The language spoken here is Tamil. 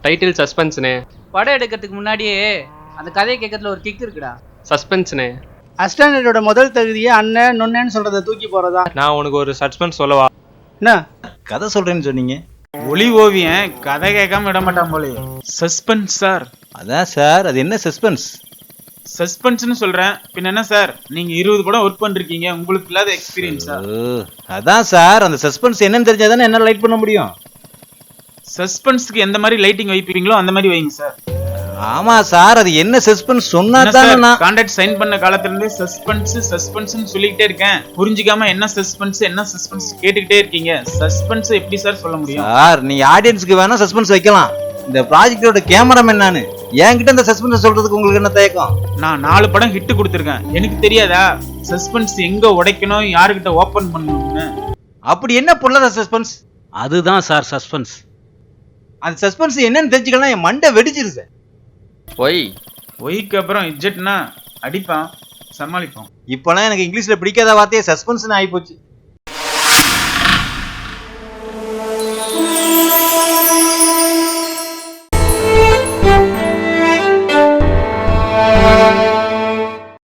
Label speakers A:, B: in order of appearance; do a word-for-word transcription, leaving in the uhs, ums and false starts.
A: டைட்டில் சஸ்பென்ஸ்னே.
B: படம் எடுக்கிறதுக்கு முன்னாடியே அந்த கதையை கேட்கறதுல ஒரு கிக் இருக்குடா.
A: சஸ்பென்ஸ்னே.
C: அஸ்டாண்டர்டோட முதல் தகுதியே அண்ணன் நொன்னேன்னு சொல்றத தூக்கி போறதா.
A: நான் உனக்கு ஒரு சஸ்பென்ஸ் சொல்லவா?
C: என்ன
D: கதை சொல்றேன்னு சொன்னீங்க?
E: ஒளி ஓவியன் கதை கேட்காம விட மாட்டான் போல. Suspense sir.
D: அதான் சார், அது என்ன சஸ்பென்ஸ்?
E: சஸ்பென்ஸ்னு சொல்றேன், பின்ன என்ன சார்? நீங்க இருபது படம் ஒர்க் பண்ணிருக்கீங்க, உங்களுக்கு இல்லாத எக்ஸ்பீரியன்ஸா?
D: அதான் சார், அந்த சஸ்பென்ஸ் என்னன்னு தெரிஞ்சாதானே என்ன லைட் பண்ண முடியும்.
E: சஸ்பென்ஸ்க்கு எந்த மாதிரி லைட்டிங் வைப்பீங்களோ அந்த மாதிரி வைங்க சார்.
D: ஆமா சார், அது என்ன சஸ்பென்ஸ் சொன்னா தானே நான்
E: கான்ட்ராக்ட் சைன் பண்ண காலத்துல இருந்தே சஸ்பென்ஸ் சஸ்பென்ஸ்னு சொல்லிக்கிட்டே இருக்கேன். புரிஞ்சிக்காம என்ன சஸ்பென்ஸ் என்ன சஸ்பென்ஸ் கேட்டுக்கிட்டே இருக்கீங்க. சஸ்பென்ஸ் எப்படி சார் சொல்ல முடியும்?
D: சார், நீ ஆடியன்ஸ்க்கு வேணா சஸ்பென்ஸ் வைக்கலாம். இந்த ப்ராஜெக்டோட கேமராமேன் நானு, என்கிட்ட இந்த சஸ்பென்ஸ் சொல்றதுக்கு உங்களுக்கு என்ன தயக்கம்?
E: நான் நாலு படம் ஹிட் கொடுத்துருக்கேன், எனக்கு தெரியாதா சஸ்பென்ஸ் எங்க உடைக்கணும் யாருக்கிட்ட ஓபன் பண்ணணும்னு?
D: அப்படி என்ன பொருளாத சஸ்பென்ஸ்?
F: அதுதான் சார் சஸ்பென்ஸ்.
D: அந்த சஸ்பென்ஸ் என்னன்னு தெரிஞ்சுக்கலாம், என் மண்டை வெடிச்சிரு சார்.
A: ஒய்
E: ஒய்க்கு அப்புறம் இஜெட்னா அடிப்பான், சமாளிப்போம்.
D: இப்பெல்லாம் எனக்கு இங்கிலீஷ்ல பிடிக்காத வார்த்தையே சஸ்பென்ஸ்னு ஆகி போச்சு.